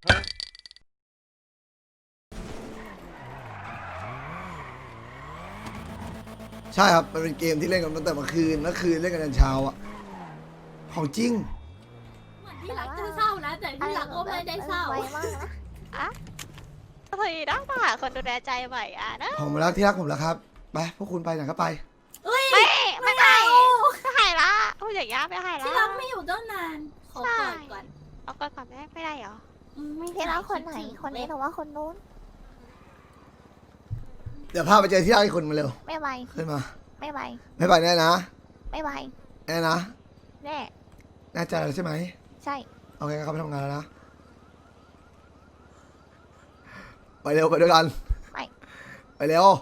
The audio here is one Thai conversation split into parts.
ใช่ครับมันเป็นเกมที่เล่นกันตั้งแต่เมื่อคืนเล่นกันยันเช้าอะของจริงเหมือนที่รักจะเศร้านะแต่ที่รักก็ไม่ได้เศร้าไวมากนะอะเฮ้ยต้องหาคนดูแลใจใหม่อ่ะนะผมรักที่รักผมแล้วครับไปพวกคุณไปไหนก็ไปไม่ไปไม่หายละพูดอย่างนี้ไม่หายละที่รักไม่อยู่ตั้งนานขอกอดก่อนเอาก่อนไม่ได้เหรอไม่ที่รักคนไหนคนนี้หรือว่าคนนู้นเดี๋ยวพาไปเจอที่รักอีกคนมาเร็วไม่ไปขึ้นมาไม่ไปไม่ไปแน่นะไม่ไปแน่นะแน่แน่ใจแล้วใช่ไหมใช่โอเคครับไปทำงานแล้วนะไปเร็วไปด้วยกันไปเร็ว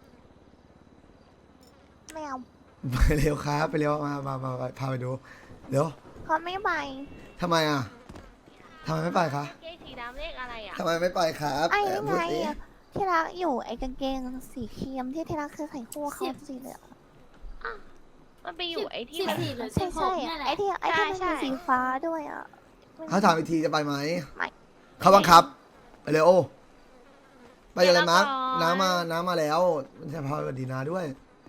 ไม่เอาไปเร็วครับไปเร็วมาพาไปดูเร็วเขาไม่ไปทำไมอ่ะทำไมไม่ไปคะเกงสีดำเลขอะไรอ่ะทำไมไม่ไปครับไอ้นี่พูดไงสิที่รักอยู่ไอ้กางเกงสีครีมที่รักเคยใส่คู่เขาสีเหลืองมันไปอยู่ไอ้ที่สิบมันสี่หรือใช่ 16 ใช่เนี่ยแหละไอ้ที่มันเป็นสีฟ้าด้วยอ่ะเขาถามอีกทีจะไปไหมไม่เขาบังคับไปเร็วไปอะไรมาร์กน้ำมาแล้วมันจะพาไปดีนาด้วย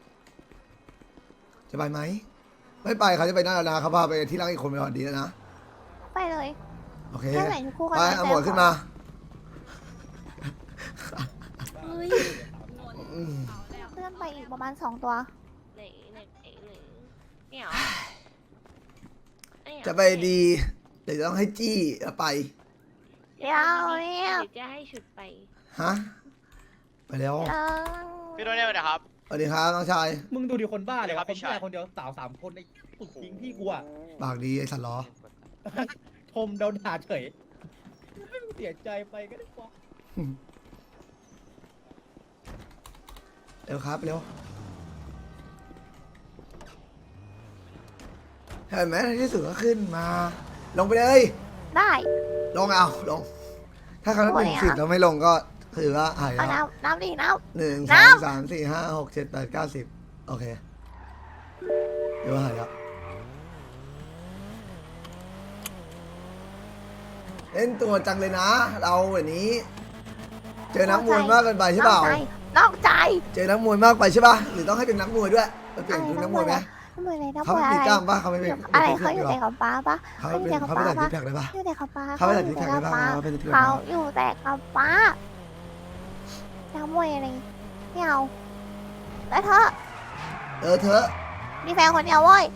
จะไปไหมไม่ไปเขาจะไปหน้านาเขาพาไปที่รักอีกคนไปก่อนดีแล้วนะไปเลยโอเคแค่ใส่คู่กันไปเอาหมวดขึ้นมาเฮ้ยอืมเพื่อนไปอีกประมาณ2 ตัวไหนเนี่ยเหรอเนี่ยเหรอจะไปดีเดี๋ยวจะต้องให้จี้แล้วไปเดี๋ยวเนี่ยหรือจะให้ฉุดไปฮะไปแล้วพี่โดนี่ไปนะครับสวัสดีครับน้องชายมึงดูดิคนบ้าเลยครัวะบคนพี่ชายผู้ชายคนเดียวสาว3 คนในตุกทิ้งพี่กูอะปากดีไอ้สัตว์ล้อชมโดนด่าเฉยเสียใจไปก็ได้ปะเร็วครับเร็วเห็นไหมในที่สุดก็ขึ้นมา ลงไปเลยได้ลงเอาลง ถ้าเขาโอ้ย 1 10แล้วไม่ลงก็ถือว่าหายเอาแล้วน้ำดิน้ 1 น้ 2 3 4 5 6 7 8 9 10โอเคเดี๋ยวหายแล้วเล่นตัวจังเลยนะ เราวันนี้ เจอนักมวยมากเกินไปำใช่เปล่านอกใจเจอนักมวยมากไปใช่ป่ะหรือต้องให้เป็นนักมวยด้วยไปเปลี่ยนชุดนักมวยไหมน้ำมวยอะไรน้ำเขามวยไม่อะมีไรกล้ามป่ะเขาไม่เป็นอะไรเขาอยู่แต่กับป้าปะเขาไม่เป็นเขาไม่ใส่ซิกแพคเลยป่ะอยู่แต่กับป้าเขาไม่ใส่ซิกแพคเลยป่ะเขาเป็นซิกแพคเขาอยู่แต่กับป้าน้ำมวยอะไรไม่เอาแล้วเธอเธอมีแฟนคนเดียวเว้ย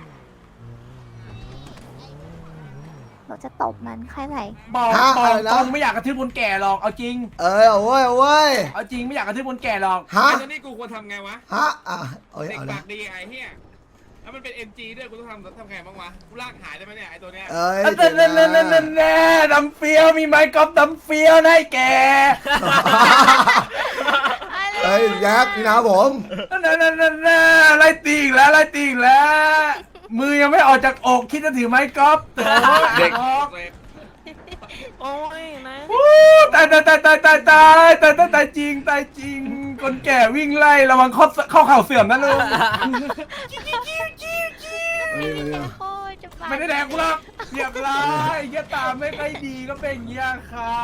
เราจะตบมันใครไหนบอกตรงไม่อยากกระทืบคนแก่หรอกเอาจริงเอาเว้ยเอาเว้ยเอาจริงไม่อยากกระทืบคนแก่หรอกฮะไอ้นี่กูควรทำไงวะฮะเอ้ยเด็กเอาปาละกดีไอ้เหี้ยแล้วมันเป็น NG ด้วยกูต้องทำไงบ้างวะ กูลากหายได้ไหมเนี่ยไอ้ตัวเนี้ยเอ้ยแน่ดำเฟี้ยวมีไม้กอล์ฟดำเฟี้ยวนะไอ้แกเอ้ยแยักษ์นี่นะผมนั่นไล่ตีอีกแล้วมือยังไม่ออกจากอกคิดจะถือไม้กอล์ฟเด็กโอ้ยนะตายจริงคนแก่วิ่งไล่ระวังเข้าเข่าเสื่อมนะลุงโอ้ยจะไม่ได้แดกกูหรอกเรียบร้อยเหี้ยตาไม่ค่อยดีก็เป็นอย่างเงี้ยครับ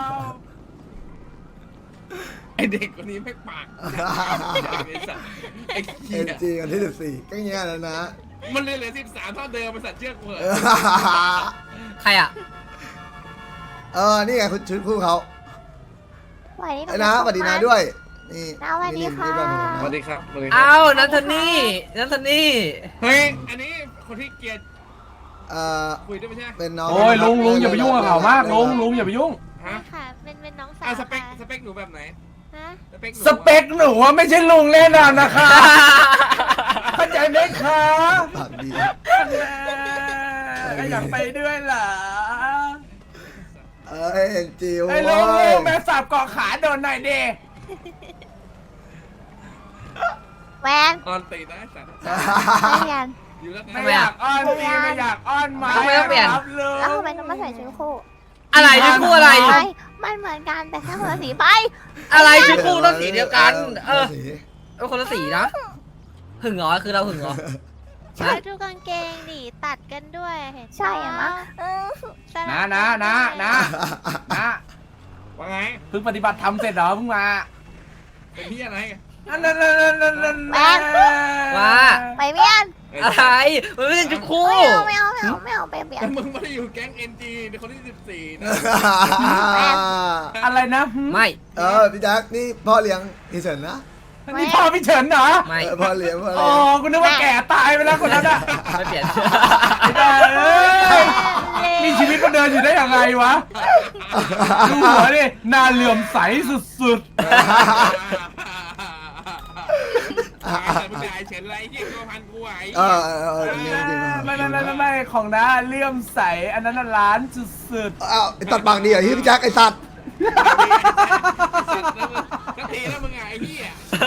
ไอเด็กคนนี้ไม่ปากไอ้สัตว์ไอ้เอ็เหี้นยจีกันที่14ก็เงี้ยแล้วนะมันเลยเหลือ13เท่าเดิมมันสัตว์เชือกเหมือนใครอ่ะนี่ไงคุณชุดคู่เขาไหวนี่ไอ้นะสวัสดีนะด้วยนี่สวัสดีค่ะสวัสดีครับสวัสดีครัอ้าวนัทนี่เฮ้ย อันนี้คนที่เกลียด คุยด้วยไม่ใช่เป็นน้องโอ้ยลุงอย่าไปยุ่งกับเขามากลุงอย่าไปยุ่งฮะค่ะเป็นน้องสาวอ่ะสเปคหนูแบบไหนฮะสเปคหนูสเปคหนูว่าไม่ใช่ลุงแน่นอนนะคะเข้าใจไหมคะปากดีอยากไปด้วยเหรอเอ็นจีไอ้ลุโว้ยงแม่สับเกาะขาโดนหน่อยดิแวนออนตีนะไอ้สัตว์ไม่เรียนอยู่แล้วไม่อยากอ้อนตีไม่อยากอ้อนมาทำไมต้องเปลี่ยนครับลุงแล้วทำไมต้องมาใส่ชุดคู่อะไรชุดคู่อะไรไม่มันเหมือนกันแต่แค่คนละสีไปอะไรชุดคู่ต้องสีเดียวกันสีคนละสีนะ หึงเหรอคือเราหึงเหรอใช่ดูกางเกงดิตัดกันด้วยเห็นปะใช่อะมะสลับนะกันะด้วยนะว่าไงเพิ่งปฏิบัติธรรมเสร็จเหรอเพิ่งมาเป็นที่อะไรอันนั้นว่าไปเมียนอะไรมันไม่ใช่ชุดคู่ไม่เอาไปเมียแต่นมึงไม่ได้อยู่แก๊ง NG ในคนที่14นะอะไรนะไม่พี่แจ็คนี่พ่อเลี้ยงพี่เฉินนะนี่พ่อพี่เฉินเหรอไม่พ่อเลี้ยงพ่ออ๋อเลี้ยงกูนึกว่าแก่ตายไปแล้วคนนั้นอ่ะไม่เปลี่ยนไม่ได้เอ้ยมีชีวิตมาเดินอยู่ได้ยังไงวะ ดูหัวดิหน้าเหลื่อมใสสุดมึงด่าเฉยไรเหี้ยตัวพันกูไหวจริงจริงๆไม่ของน้าเหลื่อมใสอันนั้นน่ะล้านสุดอ้าวไอ้ตัดปากดีเหรอพี่แจ็คไอ้สัตว์สักทีแล้วมึงไงไอ้เหี้ย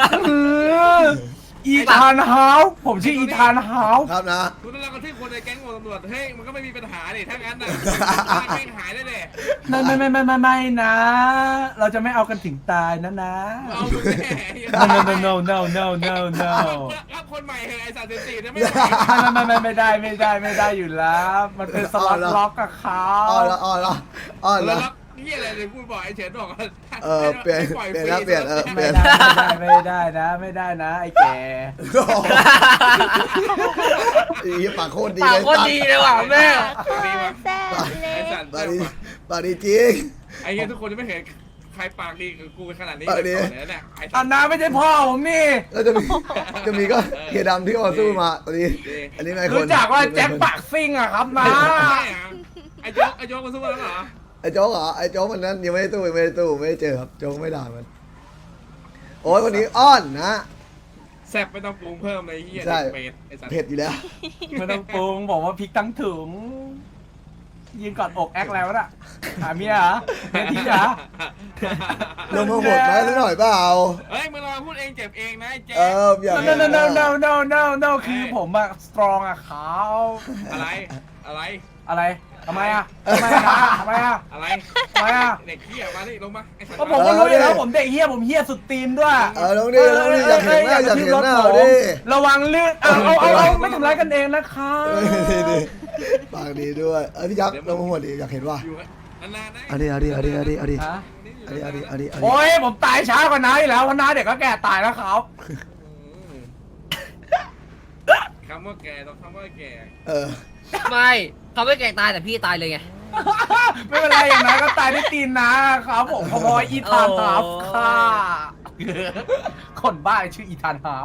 ๆอีธานฮาวส์ผมชื่ออีธานฮาวส์ครับนะคุณต้องรักกันที่คนในแก๊งตำรวจเฮ้ยมันก็ไม่มีปัญหาดิถ้างั้นน่ะไม่หายได้เลยไม่นะ เราจะไม่เอากันถึงตายนะเอามึงแน่ no รับคนใหม่เหรอไอ้สารเสพติดนะไม่ไม่ได้อยู่แล้ว มันเป็นสล็อตล็อกกับเขาอ๋อแล้วแล้วเหี้ยอะไรเลยพูดบ่อยไอ้เฉินบอกว่าเปลี่ยนนะเปลี่ยนไม่ได้นะไอ้แกอีปากโคตรดีปากเลยโคตรดีเลยว่ะแม่แซ่บเลไอ้ยสัตว์ปากดีปากดีจริงไอ้เงี้ยทุกคนจะไม่เห็นใครปากดีกับกูขนาดนี้ปากดีเลยเนี่ยไอ้สัอัตนว์น้าไม่ใช่พ่อผมนี่แล้วจะมีก็เฮียดำที่มาสู้มาตอนนี้อันนี้นายคนรู้จักว่าแจ็คปากซิ่งอะครับนะไอ้โจ๊กมาสู้แล้วเหรอไอ้โจ๊กเหรอไอ้โจ๊กมันนั้นยังไม่ได้ตู้ไม่ได้เจอครับโจ๊กไม่ด่ามันโอ้ยวันนี้อ้อนนะแซ่บไม่ต้องปรุงเพิ่มเลยเฮียใช่เผ็ดไอ้สัตว์เผ็ดอยู่แล้วไม่ต้องปรุงบอกว่าพริกทั้งถุงยืนกอดอกแอคแล้วน่ะหาเมียเหรอเมียที่เหรอลงมาหมดไหมนิดหน่อยเปล่าเฮ้ยมึงลองพูดเองเจ็บเองนะไอ้แจ๊อยาก no คือผมอะ strong อะเขาอะไรทำไมอะทำไมอะอะไร เด็กเฮียมาดิลงมาไอ้สัตว์ก็ผมก็รู้อยู่แล้วผมเด็กเฮียผมเฮียสุดตีนด้วยลงดิอยากเห็นหน้าดิระวังเลื่อนเอาไม่ทำร้ายกันเองนะคะปากดีด้วยพี่ยักษ์ลงมาหมดดิอยากเห็นว่าอยู่นานๆนะเอาดิโอ้ยผมตายช้ากว่าน้าอยู่แล้วเพราะน้าเด็กก็แก่ตายแล้วครับคำว่าแก่ต้องคำว่าแก่ไม่เขาไม่แก่ตายแต่พี่ตายเลยไงไม่เป็นไรอย่างนั้นก็ตายด้วยตีนนะครับผมพออีธานฮาร์ฟค่ะคนบ้าชื่ออีธานฮาร์ฟ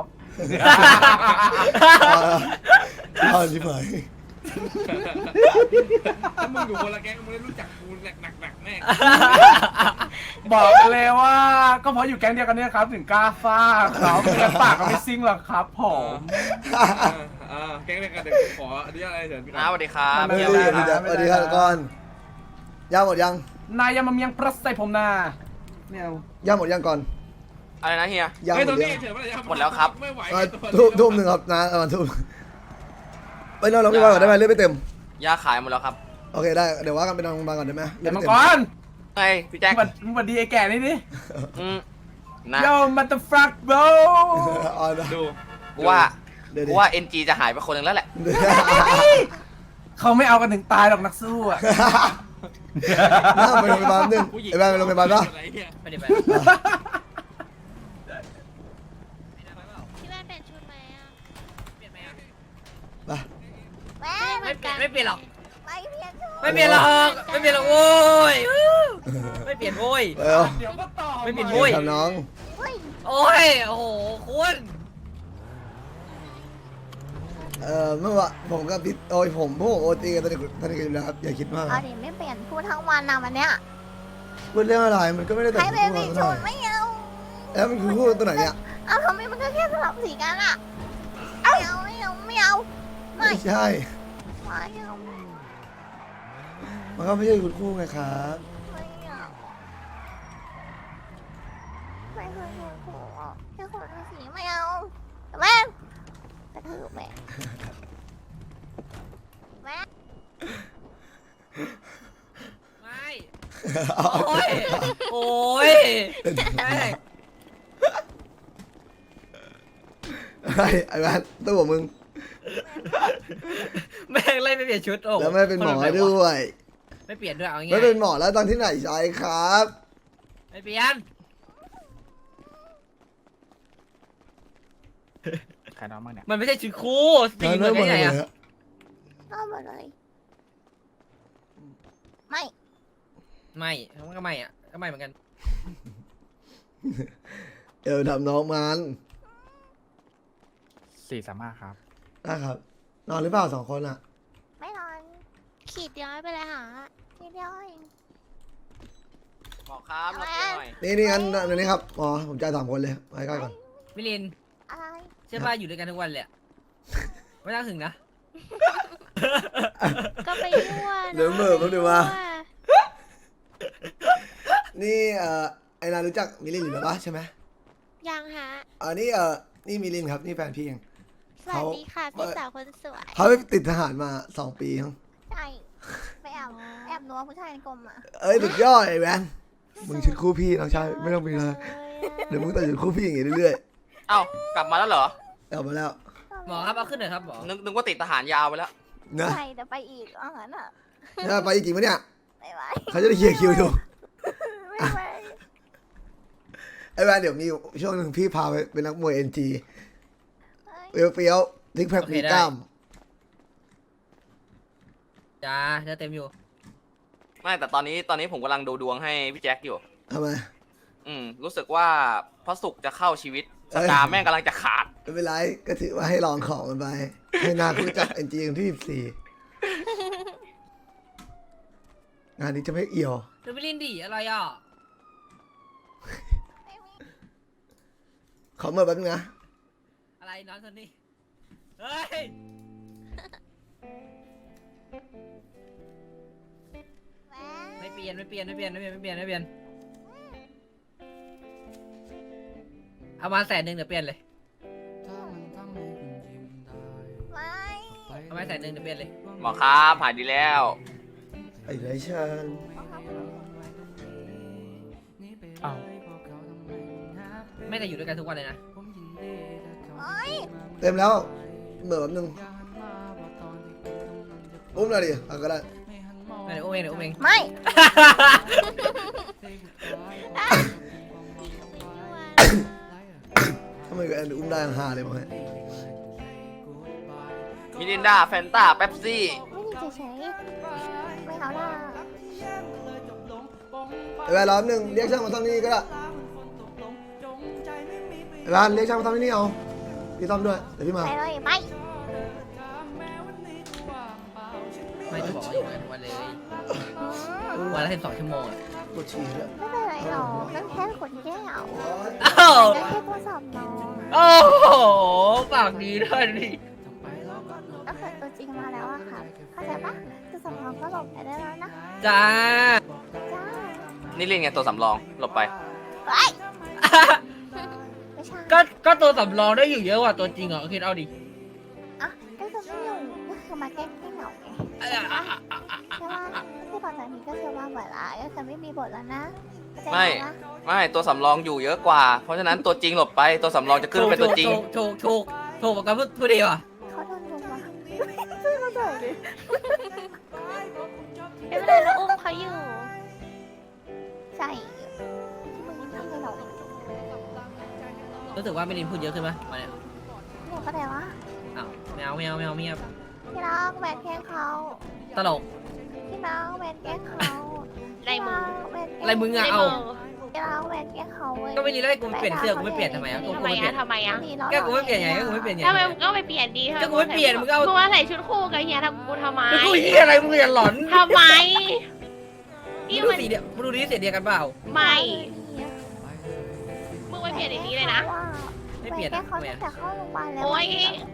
เอาสิเผยถ้ามึงอยู่คนละแก๊งมึงได้รู้จักกูหนักแน่บอกเลยว่าก็เพราะอยู่แก๊งเดียวกันเนี่ยครับถึงกล้าฟาดครับเพื่อนปากก็ไม่ซิ่งหรอกครับผมแก๊งเดียวกันเดี๋ยวกูขออนุญาตอะไรเถิดน้าสวัสดีครับไม่ดีสวัสดีครับก่อนย่างหมดยังนายยามาเมียงพระใส่ผมนาเนี่ยย่างหมดยังก่อนอะไรนะเฮียย่างเฮ้ยหมตรดงยันี้งเฉยว่าหมดแล้วครับไม่ไหวทุ่มหนึ่งครับนะประมาณทุ่มไปนอนโรงพยาบาลก่อนได้ไหมเลือดไม่เต็มยาขายหมดแล้วครับโอเคได้เดี๋ยวว่ากันไปนอนโรงพยาบาลก่อนได้ไหมเลืเดี๋อยวดมัไม่งเต็กมรไงพี่แจ็คมึงบัดดีไอ้แก่นี่ดินะโยมันตะฟรักโบดูกูว่า NG จะหายไปคนหนึ่งแล้วแหละเขาไม่เอากันถึงตายหรอกนักสู้อ่ะน่าไปโรงพยาบาลนึงไอ้แบงค์ไปโรงพยาบาลปะไม่ได้ไปพี่แม่เปลี่ยนชุดไหมอ่ะเปลี่ยนไหมอ่ะไปแม่ไม่เปลี่ยนไม่เปลี่ยนหรอกไปเพียนชุดไม่เปลี่ยนหรอกไม่เปลี่ยนหรอกโว้ยไม่เปลี่ยนโว้ยเร็วเดี๋ยวก็ต่อไม่ปิดมุ้ยทำน้องเฮ้ยโอ้ยโอ้โหคุณเมื่อวานผมกับพี่โอ้ยผมพวกโอตีกันตอนนี้กันอยู่แล้วครับอย่าคิดมากเอาดิไม่เปลี่ยนพูดทั้งวันนะวันเนี้ยพูดเรื่องอะไรมันก็ไม่ได้แต่ใครงเป็นตัวสีหชน่อน ยไม่เอาแล้วมันคือพูดตัวไหนเนี่ยเอาทำไมมันก็แค่สลับสีกันอ่ะไม่เอาไม่ไม่ใช่ไม่เอามันก็ไม่ใช่คุณคู่ไงครับไม่เอาไม่เคยเห็นครูอ่ะแค่คนละสีไม่เอาแม่กระทืบแม่แม่ไม่โอ้ยโอ้ยไอ้แมนตัวมึงแม่งไล่ไม่เปลี่ยนชุดโอ้แล้วไม่เป็นหมอคนแบบไหนด้วะวยไม่เปลี่ยนด้วยเอาง่ายไม่เป็นหมอแล้วตอนที่ไหนใช้ครับไม่เปลี่ยนใครน้องบ้างเนี่ยมันไม่ใช่ชุดคู่สีแล้วเหมือนหมกัดนเลไงยอะฮะเอาหมดเลยไม่ไม่มันก็ไม่อะก็ไม่เหมือนกันทำน้องมัน 435ครับนะครับ นอนหรือเปล่า2 คนอ่ะไม่นอนขีดเดียวไม่เป็นไรหาทีเดียวเองหมอครับรับเตียงหน่อยนี่งั้นเดี๋ยวนี้ครับหมอผมจ่าย3 คนเลยไปใกล้ก่อนมิลินอะไรเชื่อป่ะอยู่ด้วยกันทุกวันเลยอะไม่ต้องถึงนะก็ไปยั่วเดี๋ยวเหม่อแป๊บนึงว่า นี่ไอ้นารู้จักมิลินอยู่แล้วปะใช่ไหมยังฮะนี่นี่มิลินครับนี่แฟนพี่เองสวัสดีค่ะพี่สาวคนสวยเขาไปติดทหารมา2 ปีครับใช่ไปแอบนัวผู้ชายในกรมอ่ะเอ้ยสุดยอดไอ้แวนมึงชุดคู่พี่น้องชายไม่ต้องมีเลยเดี๋ยวมึงแต่งชุดคู่พี่อย่างงี้เรื่อยเอ้ากลับมาแล้วเหรอๆเอามาแล้วหมอครับเอาขึ้นหน่อยครับหมอนึกว่าติดทหารยาวไปแล้วนะใช่เดี๋ยวไปอีกเอางั้นอ่ะเนี่ยไปจริงปะเนี่ยไม่ไหวเขาจะได้เคลียร์คิวอยู่ไม่ไหวไอ้แวนเดี๋ยวมีช่วงหนึ่งพี่พาไปเป็นนักมวย NG เฮ้ยเฟี้ยวๆทิกแพคมีกล้ามจ้าจะเต็มอยู่ไม่แต่ตอนนี้ผมกำลังดูดวงให้พี่แจ็คอยู่ทำไมรู้สึกว่าพระศุกร์จะเข้าชีวิตสตาร์แม่งกำลังจะขาดไม่เป็นไรก็ถือว่าให้ลองของมันไป ให้นารู้จัก NG คนที่14งานนี้จะไม่เอี่ยวเดี๋ยวมิลินดิอะไรอ่ะขอเมื่อแป๊บนึงนะอะไรน้องคนนี้เฮ้ยแหวนไม่เปลี่ยนเอามา100,000เดี๋ยวเปลี่ยนเลยไม่เอามา100,000เดี๋ยวเปลี่ยนเลยหมอครับหายดีแล้วไอ้ไรชันอ้าวไม่ได้อยู่ด้วยกันทุกวันเลยนะเฮ้ยเต็มแล้วเมื่อแป๊บนึงอุ้มหน่อยดิเอาก็ได้ไม่ได้อุ้มเองเดี๋ยวอุ้มเองไม่ทำไมกับแอนอุ้มได้ห่าเลยมั้งเนี่ยมิรินดาแฟนตาเป๊ปซี่ไม่ดีเฉยๆไม่เอาล่ะไอ้แวนรอแป๊บนึงเรียกช่างมาซ่อมที่นี่ก็ได้ไอ้แวนเรียกช่างมาซ่อมที่นี่เอาพี่ซ่อมด้วยเดี๋ยวพี่มาไปเลยไม่ไม่ได้บอกว่าอยู่ด้วยกันทุกวันเลยวันละ12 ชั่วโมงอะปวดฉี่ด้วยไม่เป็นไรหรอกนั่นแค่ขนแก้วอ้าวนั่นแค่ตัวสอบน้องโอ้โหปากดีด้วยดิก็คือตัวจริงมาแล้วอะค่ะเข้าใจปะตัวสอบน้องก็หลบไปได้แล้วนะจ้าจ้านี่เล่นไงตัวสำรองหลบไปเฮ้ยไม่ใช่ก็ตัวสำรองได้อยู่เยอะกว่าตัวจริงเหรอคิดเอาดิอ่ะก็คือไม่อยู่ก็คือมาแกล้งเหงาไงใช่ว่าที่ตอนนี้ก็คือว่าเหมือนละก็คือไม่มีบทแล้วนะเข้าใจไม่ปะตัวสำรองอยู่เยอะกว่า เพราะฉะนั้นตัวจริงหลบไปตัวสำรองจะขึ้นเป็นตัวจริงถูกกับพูดดีว่ะเขาโดนลุมวะช่วยมาหน่อยดิไม่เป็นไรเราอุ้มเขาอยู่ใช่มึงทำให้เรารู้สึกว่ามิลินพูดเยอะขึ้นไหมมาเนี่ยเนี่ยก็ได้วะอ้าวไม่เอาเงียบพี่น้องแหวนแกล้งเขาตลกพี่น้องแหวนแกล้งเขาในมืออะไรมึงในอะเอามือพี่น้องแหวนแกล้งเขาเว้ยก็ไม่รีแล้วให้กูเปลี่ยนเสื้อกูไม่เปลี่ยนทำไมอ่ะกูทำไมไม่เปลี่ยอะนทำไมอะก็กูไม่เปลี่ยนไงก็กูไม่เปลี่ยนไงทำไมมึงก็ไปเปลี่ยนดีก็กูไม่เปลี่ยนมึงก็เอามึงมาใส่ชุดคู่กับเฮียทำกูทำไมแล้วกูเฮียอะไรมึงอย่าหลอนทำไมมึนี่งดูมันสีเดียวมึงดูดีเสียเดียวกันเปล่าไม่มึงไปเปลี่ยนอย่างนี้เลยนะไม่เปลี่ยนแกล้อะงเขาทำไมตั้งอะแต่เข้าโรงพยาบาลแล้วโอ้ย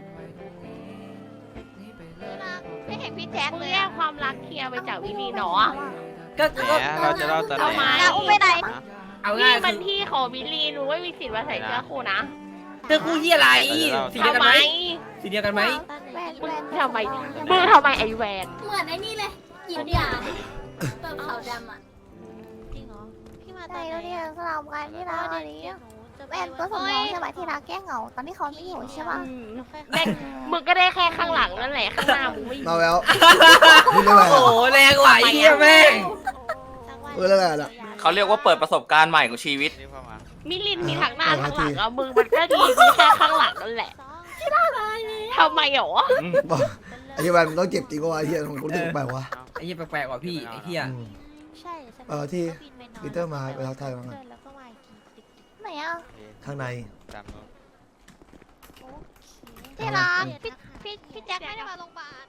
ไม่เห็นพี่แจ๊คมึงเลยแยกความรักเคลียร์ไปจากวิลีเนาะก็กูก็เราจะเล่าตอนไหนทำไมอุ้มไปไหนเอานี่ง่ายมันที่ของวิลีหนูไม่มีสิทธิ์มาใส่เสื้อคู่นะเจอกูเฮียอะไรสีเดียวทำกันไมไหมสีเดียวกันไหมแหวนแหวนทำไมมึงทำไมไอ้แวนเหมือนไอ้นี่เลยหยิบยาแบบขาวดำอ่ะจริงเหรอพี่มาใจตอนไหนเราเนี่ยสลับกันที่เราอันนี้หนูเจแวนตัวสำรองใช่ไหมที่รักแก้เหงาตอนที่เขาไม่อยู่ใช่ป่ะได้มึงก็ได้แค่ข้างหลังนั่นแหละข้างหน้ามึงไม่อยู่มาแล้วพูดเรื่องอะไรโอ้โหแรงกว่าไอ้เหี้ยแม่งพูดเรื่องอะไรล่ะเขาเรียกว่าเปิดประสบการณ์ใหม่ของชีวิตมิลินมีทางหน้าทางหลังอะมึงมันก็ดีมีแค่ข้างหลังนั่นแหละทำไมหรอบอกไอ้เหี้ยมันต้องเจ็บจริงกว่าไอ้เหี้ยของกูรู้สึกแปลกวะไอ้เหี้ยแปลกๆกว่าพี่ไอ้เหี้ยอืมใช่ที่ปีเตอร์มาไปทักทายมั้งแล้วก็มาไหนอ่ะข้างในที่รักพี่แจ็คไม่ได้มาโรงพยาบาล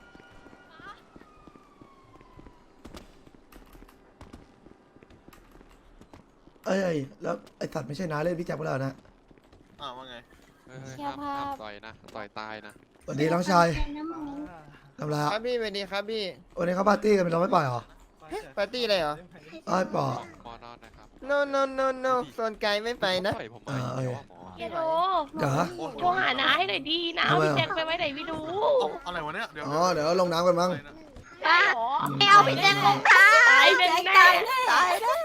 เอ้ยแล้วไอ้สัตว์ไม่ใช่น้าเล่นพี่แจ็คไปแล้วนะว่าไงห้ามต่อยนะ ต่อยตายนะสวัสดีน้องชายทำไรครับพี่สวัสดีครับพี่วันนี้เขาปาร์ตี้กันเราไม่ปล่อยเหรอปาร์ตี้อะไรเหรอเอ้ยปล่อยหมอนอนนะครับ no no no no โซนไกลไม่ไปนะต่อยผมมาอีกแล้วอะหมอเดี๋ยวโทรเดี๋ยวโทรหาน้าให้หน่อยดีนะเอาพี่แจ็คไปไว้ไหนไม่รู้อะไรวะเนี่ยเดี๋ยวอ๋อเดี๋ยวลงน้ำกันมั้งได้หรอไม่เอาพี่แจ็คของข้าตายแน่ตายได้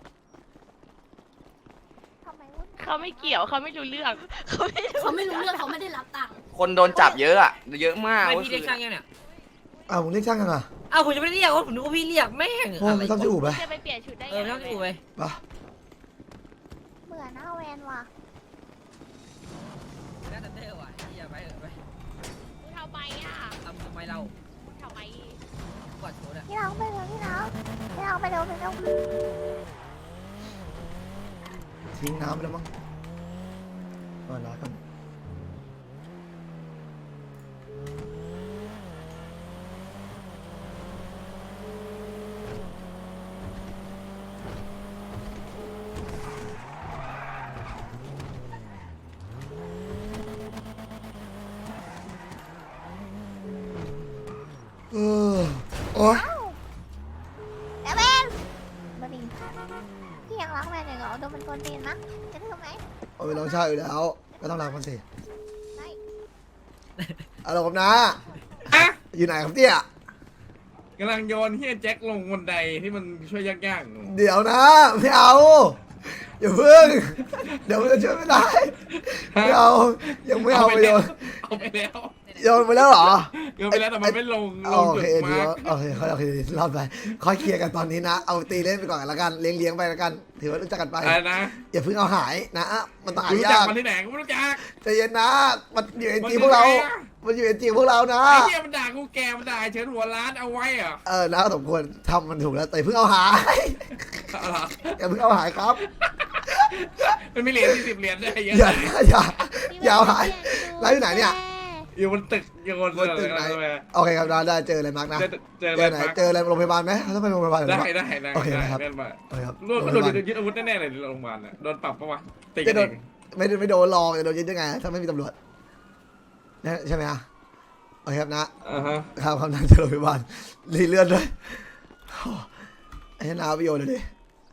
ทำไมวุ่นเขาไม่เกี่ยวเขาไม่รู้เรื่องเขาไม่รู้เขาไม่รู้เรื่องเขาไม่ได้รับตังค์คนโดนจับเยอะอะเยอะมากไม่เว้ยพี่เรียกช่างยังเนี่ยอ้าวมึงเรียกช่างกันอ่ะอ้าวผมจะไม่ได้เรียกว่าผมนึกว่าพี่เรียกแม่งโอ้ไม่ต้องจะอู่ไปจะไปเปลี่ยนชุดได้เออไม่ต้องกูไปปะเบื่อหน้าแวนว่ะน่าจะเท่ว่ะไอ้เหี้ยไปเถอะไปทำไมอ่ะทำไมเราทำไมกอดโชว์เนี่ยพี่รักไปเร็วพี่รักไปเร็วทิ้งน้ำไปแล้วมั้งมาน้ากันโอ้ยแล้วแวนมาดิพี่ยังรักแวนอยู่เหรอโดนมันกวนตีนนะจะทำไหมเอาไปลองชาอยู่แล้ว ก็ต้องรักมันสิไม่เอาล่ะครับนะอยู่ไหนครับเนี่ยกำลังโยนเฮียแจ็คลงบันไดที่มันช่วยยากๆหนูเดี๋ยวนะไม่เอาอย่าเพิ่งเดี๋ยวมันจะช่วยไม่ได้ไม่เอายังไม่เอาไปโยนเอาไปแล้วโยนไปแล้วเหรอโยนไปแล้วแต่มันไม่ลงโอจุดเคมาเดี๋ยวร์กโอเคโอเครอบไปค่อยเคลียร์กันตอนนี้นะ เอาตีเล่นไปก่อนละกันเลี้ยงไปละกัน ถือว่ารู้จักกันไปอะไรนะอย่าเพิ่งเอาหายนะมันต้องหารู้จักยากมันที่ไหนกูไม่รู้จักใจเย็นนะมันอยู่เอ็นจีพวกเรา มันอยู่เอ็นจีพวกเรานะไอ้เฮียมันด่ากูแกมันด่าไอ้เฉินหัวร้านเอาไว้เหรอนะสมควรทำมันถูกแล้วแต่เพิ่งเอาหายเอาเหรออย่าเพิ่งเอาหายครับมันมีเหรียญ40 เหรียญได้เยอะอย่าอย่าเอาหายแล้วอยู่ไหนเนี่ยอยู่บนตึกอยู่บนบนตึกไหน โอเคครับได้เจออะไรมาร์กนะเจอเจอไหนเจออะไรโรงพยาบาลไหมเขาต้องไปโรงพยาบาลหรือได้เปล่าได้โอเคนะครับเล่นมาโอเคครับโดนก็โดนยึดอาวุธแน่ๆเลยโรงพยาบาลน่ะโดนปรับปะวะตีจะกันโดเอน งไม่โดนลองจะโดนยึดยังไงถ้าไม่มีตำรวจนะใช่ไหมอ่ะโอเคครับนะฮะครับคำนั้นจะโรงพยาบาลรีเลือดด้วยไอ้นาไปโยนเลยดิ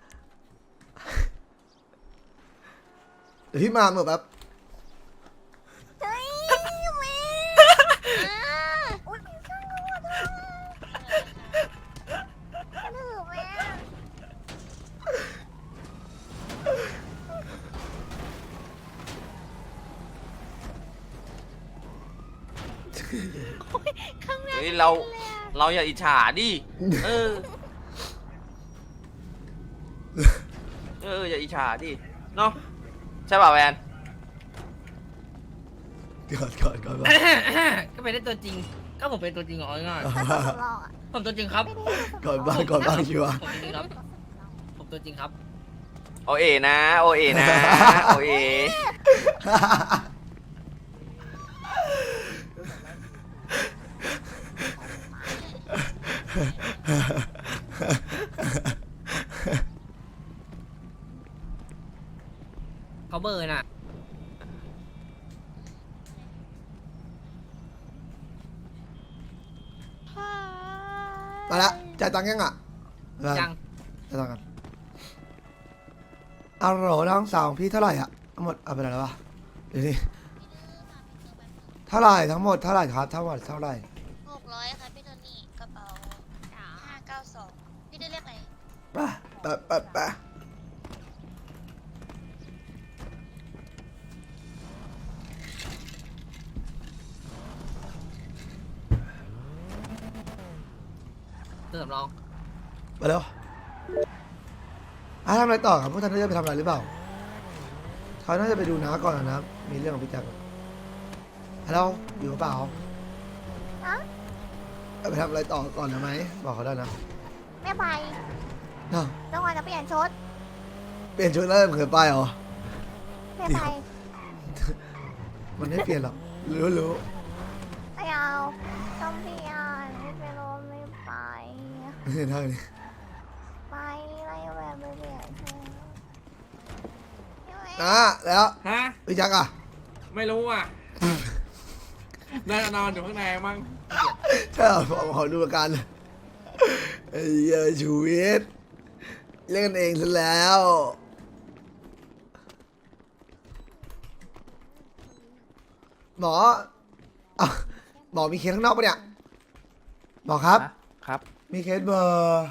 เดี๋ยวพี่มาเหมือนแบบเฮ้ยแม่อุ้ยพี่ช่างกูด้วยดื้อแม่เฮ้ยเราอย่าอิจฉาดิเอออย่าอิจฉาดิเนาะใช่ป่ะแวนก่อนก็เป็นได้ตัวจริง ก็ผมเป็นตัวจริงเหรอง่ายถ้าตัวสำรองอ่ะผมตัวจริงครับไม่ได้ตัวสำรองก่อนบ้างชัวร์ผมตัวจริงครับ ผมตัวจริงครับโอเอนะโอเอนะโอเอเขาเบอร์น่ะมาละจ่ายตังค์ยังอ่ะยังจ่ายตังค์กันเอาโหลน้องสาวของพี่เท่าไหร่อ่ะทั้งหมดเอาไปไหนแล้ววะเดี๋ยวนี้เท่าไหร่ทั้งหมดเท่าไหร่ครับทั้งหมดเท่าไหร่ 600ค่ะพี่โทนี่กระเป๋า592พี่ได้เรียกอะไรไปเร็วทำอะไรต่อครับพวกท่านจะไปทำอะไรหรือเปล่าเขาน่าจะไปดูน้าก่อนนะมีเรื่องของพี่แจ็คฮัลโหลอยู่หรือเปล่าฮะไปทำอะไรต่อก่อนนะไหมบอกเขาได้นะไม่ไปเนาะต้องวันจะเปลี่ยนชุดเปลี่ยนชุดแล้วเขินไปเหรอไม่ไปมันไม่เปลี่ยนหรอกรู้ไม่เอาต้องเปลี่ยนไม่ไปรถไม่ไปเท่านี้ไปอะไรแบบไม่เปลี่ยนชุดนะแล้วฮะพี่แจ็คอะไม่รู้อ่ะน่าจะนอนอยู่ข้างในมั้งใช่เหรอขอดูอาการเลยไอ้เหี้ยชูวิทย์เล่นกันเองซะแล้วหมออ่ะหมอมีเคสข้างนอกปะเนี่ยหมอครับครับมีเคสเบอร์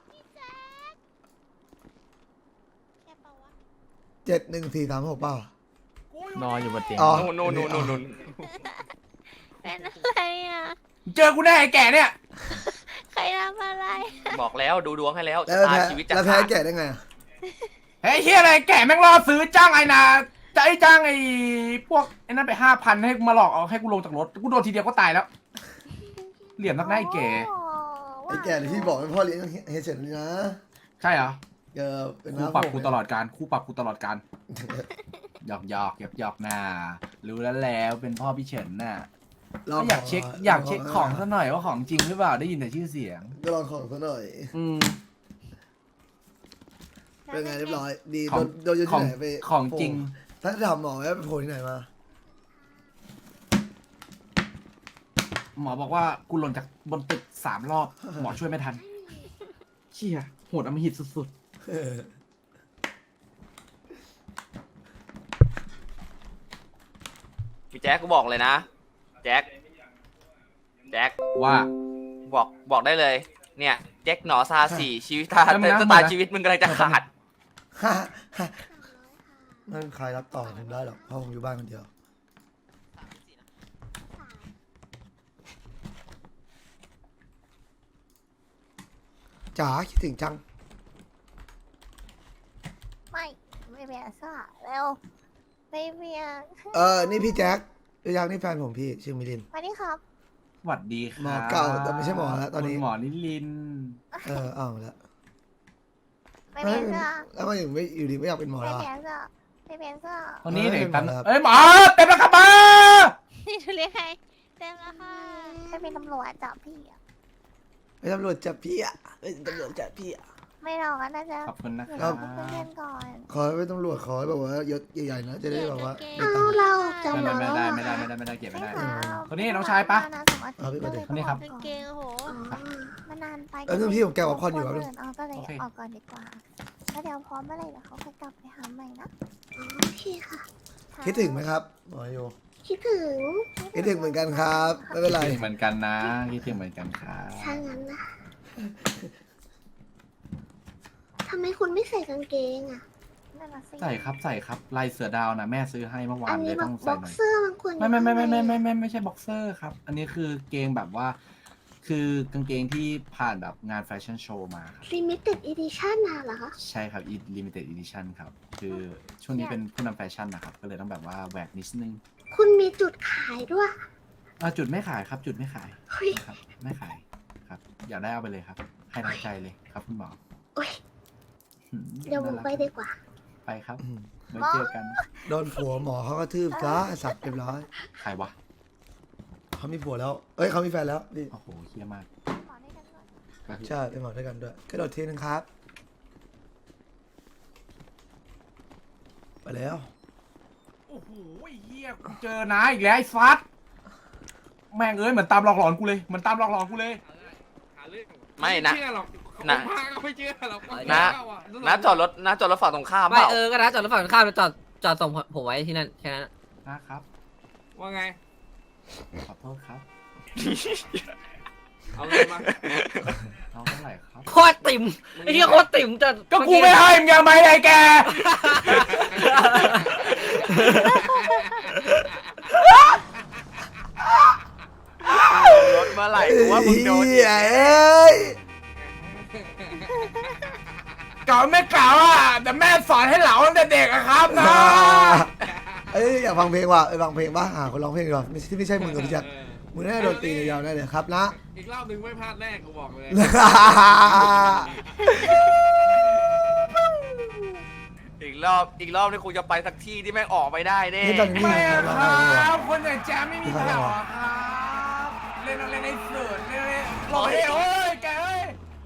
71436เปล่านอนอยู่บนเตียงอ๋อนู่นเป็นอะไรอ่ะเจอกูแน่ไอ้แก่เนี่ยใครทำอะไรบอกแล้วดูดวงให้แล้วแล้วชะตาแพ้ชีวิตจะแล้วแพ้ขาดแก่ได้ไงอะเฮ้ยเฮียอะไรแก่แม่งรอซื้อจ้างไอ้นาจะไอ้จ้างไอ้พวกไอ้นั่นไป5,000ให้มาหลอกเอาให้กูลงจากรถกูโดนทีเดียวก็ตายแล้ว เหลี่ยมนักหน้าไอ้แก่ไอ้แก่ที่พี่บอกเป็นพ่อเลี้ยงเฮยเฉยนี่นะใช่เหรอเป็นคู่น้าปรับผมกูตลอดการคู่ปรับกูตลอดการหยอกหน้ารู้แล้วเป็นพ่อพี่เฉินน่ะก็อยากเช็คของซะหน่อยว่าของจริงหรือเปล่าได้ยินแต่ชื่อเสียงก็ลองของซะหน่อย เป็นไงเรียบร้อย ดีของโดนอยู่ขอที่งไหนไปของจริงท่านถามหมอไว้ไปโผล่ที่ไหนมาหมอบอกว่ากูหล่นจากบนตึก3 รอบ หมอช่วยไม่ทันเชี่ยโหดอำมหิตสุดพี่แจ็คกูบอกเลยนะแจ็คๆว่าบอกได้เลย เนี่ยแจ็คหนอซาสี่ชีวิตตาแล้วมึงนะชะตาชีวิตมึงกำลังจะขาดไม่มีใครรับต่อทำได้หรอกเพราะผมอยู่บ้านคนเดียวจ๋าคิดถึงจังไม่เปลี่ยนเสื้อเร็วไม่เปลี่ยนนี่พี่แจ็คพี่แจ็คนี่แฟนผมพี่ชื่อมิลินมาดิครับหวัดดีครับหมอเก่าแต่ไม่ใช่หมอแล้วตอนนี้คุณหมอนิลินเอาแล้วไม่เปลี่ยนเสื้อแล้วมันอยู่ไม่อยู่ดีไม่อยากเป็นหมอไม่แล้วเปลี่ยนเสื้อไม่เปลี่ยนเสื้อคนนี้เด็กเออกันหมอครับเอ้ยหมอเต็มแล้วครับมานี่เรียกใครเต็มแล้วค่ะไม่เป็นตำรวจจับพี่อะไม่ตำรวจจับพี่อ่ะไม่ตำรวจจับพี่อ่ะไม่หรอกน่าจะขอบคุณนะคเดี๋รัยวบเพื่อนๆก่อนขอให้เป็นตำรวจขอให้แบบว่ายศใหญ่ๆนะจะได้แบบว่าเอาเราจะไม่มาได้เก็บไม่ได้ไม่เอาคนนี้น้องชายปะคนนี้ครับกางเกงโอ้โหมันนานไปเออพี่ผมแกะป๊อปคอร์นอยู่ครับก็เลยโอเคออกก่อนดีกว่าแล้วเดี๋ยวพร้อมเมื่อไหร่เดี๋ยวเขาค่อยกลับไปหาใหม่นะโอเคค่ะคิดถึงไหมครับหมอโยคิดถึงคิดถึงเหมือนกันครับไม่เป็นไรคิดถึงเหมือนกันนะคิดถึงเหมือนกันครับถ้างั้นนะทำไมคุณไม่ใส่กางเกงอ่ะใส่ครับลายเสือดาวนะแม่ซื้อให้เมื่อวานเลยต้องบ็ใส่อกหน่อยเซอร์บางคนไม่ใช่บ็อกเซอร์ครับ อันนี้คือเกงแบบว่า คือกางเกงที่ผ่านแบบงานแฟชั่นโชว์มาครับลิมิเต็ดอีดิชั่นน่ะเหรอคะใช่ครับ limited edition ครับ คือช่วงนี้เป็นผู้นำแฟชั่นนะครับ ก็เลยต้องแบบว่าแหวกนิดนึงคุณมีจุดขายด้วยจุดไม่ขายครับ จุดไม่ขายเฮ้ยครับไม่ขายครับ อยากได้เอาไปเลยครับ ให้ทั้งใจเลยครับคุณหมอโอ้ยหืมเดี๋ยวผมไปดีกว่าไปครับอืมไว้เจอกันโดนผัวหมอเขาก็ทืบซะสัตว์เรียบร้อยใครวะเขามีผัวแล้วเอ้ยเขามีแฟนแล้วนี่โอ้โหเฮี้ยมากใช่เป็นหมอด้วยกันด้วยกระโดดทีนึงครับไปแล้วโอ้โหเฮี้ยกูเจอนะอีกแล้วไอ้ฟัดแม่งเอ้ยเหมือนตามหลอกหลอนกูเลยเหมือนตามหลอกหลอนกูเลยหาเรื่องไม่นะเชื่อหรอกนะพาก็ไม่เชื่อหรอกนะจอดรถฝั่งตรงข้ามเปไม่ล่าก็นะจอดรถฝั่งข้ามไปจอดส่งผมไว้ที่นั่นแค่นั้นนะครับว่าไงขอโทษครับเอาเงินมาน้องเท่าไหร่ครับโคตรติ่มไอ้เหี้ยโคตรติ่มจะก็กูไม่ให้มึงยังไม่ได้แกรถเมื่อไหร่กูว่ามึงโดนเฮ้ยเอ้ยเก่าไม่เก่าอ่ะแต่แม่สอนให้เหลาตั้งแต่เด็กอะครับนะเอ้ยอยากฟังเพลงว่ะไปฟังเพลงบ้างหาคนร้องเพลงดีกว่าที่ไม่ใช่มึงกับพี่แจ็คมึงน่าจะโดนตียาวแน่เลยครับนะอีกรอบหนึ่งไม่พลาดแน่กูบอกเลยอีกรอบนี่คงจะไปสักที่ที่แม่งออกไปได้แน่นี่ตอนนี้ไม่มีอะใครคร้องเพลงวะรับคนอย่างแจ๊ไม่มีแถวอะครับเล่นในสุดเล่นหล่อเฮ้ยโอ้ยแกเอ้ย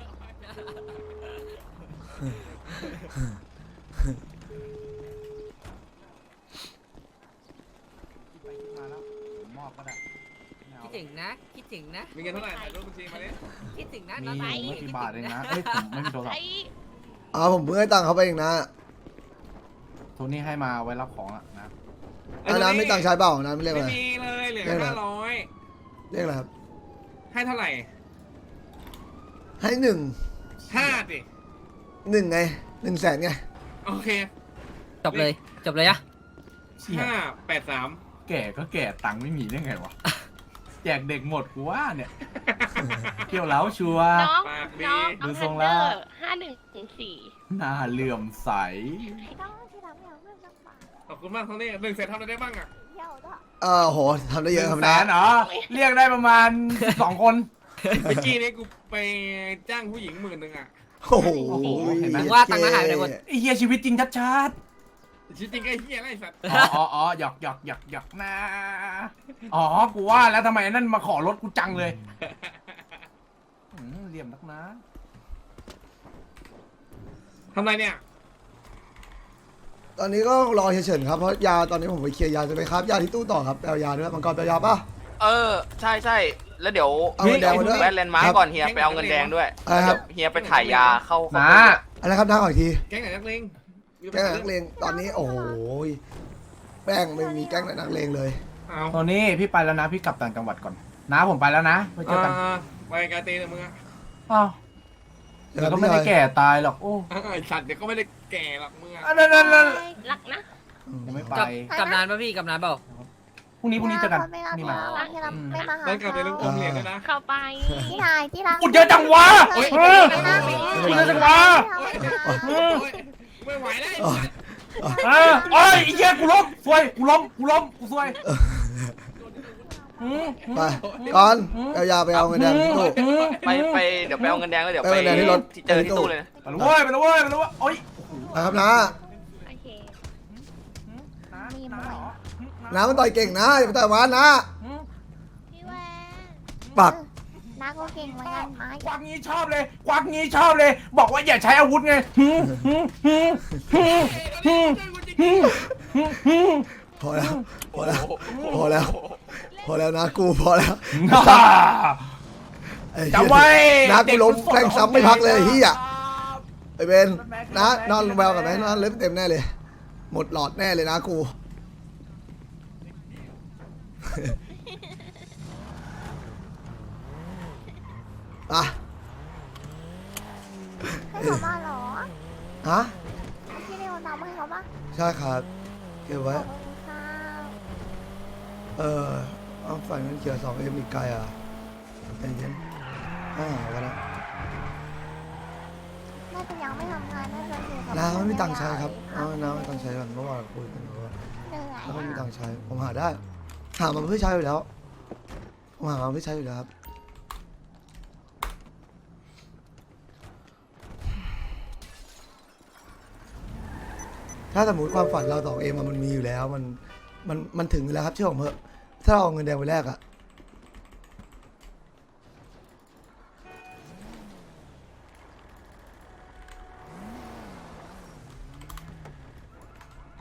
มอบก็ได้คิดถึงนะ คิดถึงนะมีเงินเท่าไหร่ถ่ายรูปบัญชีมาดิคิดถึงนะมีน้องอไบยู่ไม่กี่บาทเองนะเฮ้ยผมไม่มีโทรศัพท์ผมเพิ่งให้ตังค์เขาไปเองนะโทนี่ให้มาไว้รับของอะนะน้ำไม่ตังค์ใช้เปล่าน้ำไม่เรียกไม่อะไรมีเลยเหลือเรียกอะไร 500 เรียกอะไรครับให้เท่าไหร่ให้หนึ่ง 5ดิหนึ่งไง100,000ไงโอเคจบเลย จบเลยอะเชี่ย 583 แก่ก็แก่ตังค์ไม่มีได้ไงวะแจกเด็กหมดกูว่าเนี่ยเกี่ยวแล้วชัวร์น้องปากดีน้องดูเอาทรงเทแล้นวเดอร์5104 หน้าเหลื่อมใสต้องที่ทำอย่างเรื่องจังหวะขอบคุณมากเท่านี้1เสร็จทำอะไรได้บ้างอ่ะเที่ยวด้วยโหทำได้เยอะ 100,000 ทำได้เหรอเรียกได้ประมาณ 2 คนเมื่อกี้นี้กูไปจ้างผู้หญิง10,000อ่ะโอ้โหเห็นไหมว่าตังค์มาหายไปหมดไอ้เหี้ยชีวิตจริงชัดจริงๆไอ้เหี้ยไรสัตว์ๆอ๋อหยอกนะอ๋อกูว่าแล้วทำไมนั่นมาขอรถกูจังเลยเหลี่ยมนักนะทำไรเนี่ยตอนนี้ก็รอเฉยๆครับเพราะยาตอนนี้ผมไปเคลียร์ยาจะไปครับยาที่ตู้ต่อครับแปลยาด้วยมังกรแปลยาป่ะใช่แล้วเดี๋ยวเอาเงินแดงมาด้วยแวะแลนด์มาร์กก่อนเฮียไปเอาเงินแดงด้วยอะไรครับเดี๋ยวเฮียไปถ่ายยาเข้านะอะไรครับน้าขออีกทีแก๊งไหนนักเลงแก๊งไหนนักเลงตอนนี้โอ้โหแป้งไม่มีแก๊งไหนนักเลงเลยเอาตอนนี้พี่ไปแล้วนะพี่กลับต่างจังหวัดก่อนนะผมไปแล้วนะไปเจอกันไปกาเตเลยมึงอ่ะอ้าวเดี๋ยวก็ไม่ได้แก่ตายหรอกโอ้ไอ้สัตว์เดี๋ยวก็ไม่ได้แก่หรอกมึงอ่ะนั่นรักนะยังไม่ไปกลับนานป่ะพี่กลับนานเปล่าพรุ่งนี้เจอกันไม่รักนี่ไม่มารักที่เราไม่มาหาได้กลับไปลูกอมเหรียญด้วยนะเข้าไปที่นายที่รักกูเจอจังหวะกูเจอจังหวะไม่ไหวแล้วโอ้ยไอ้เหี้ยกูล้มซวยกูล้มกูซวยไปก่อนเอายาไปเอาเงินแดงที่ตู้ไปเดี๋ยวไปเอาเงินแดงแล้วเดี๋ยวไปเอาเงินแดงที่รถเจอที่ตู้เลยนะไปแล้วเว้ยโอ้ยไปครับน้าโอเคน้ามันต่อยเก่งนะอย่าไปต่อยมันนะพี่แวนปักน้าก็เก่งเหมือนกันไม้ควักงี้ชอบเลย บอกว่าอย่าใช้อาวุธไงพอแล้วนะกูพอแล้วไอ้เหี้ยจำไว้นะกูล้มแทงซ้ำไม่พักเลยเฮียไอ้เบนนะนอนแววกันไหมนอนเล็บเต็มแน่เลย หมดหลอดแน่เลยนะกูอ่ะให้เขามาเหรอฮะพี่เรียกน้ำให้เขาปะใช่ครับเก็บขไว้อบคุณค่ะเอาฝ่ายเงินเขียว2Mอีกไกลอ่ะใจเย็นกันนะน่าจะยังไม่ทำงานน่าจะอยู่กับน้าไม่มีตังค์ใช้ครับน้าไม่มีตังค์ใช้ก่อนเมื่อวานคุยกันว่าเหนื่อยน้าไม่มีตังค์ใช้ผมหาได้หามาเพื่อใช้อยู่แล้วผมหามาเพื่อใช้อยู่แล้วครับถ้าสมมติความฝันเรา2Mมันมีอยู่แล้วมันถึงอยู่แล้วครับเชื่อผมเถอะถ้าเราเอาเงินแดงไปแลกอะ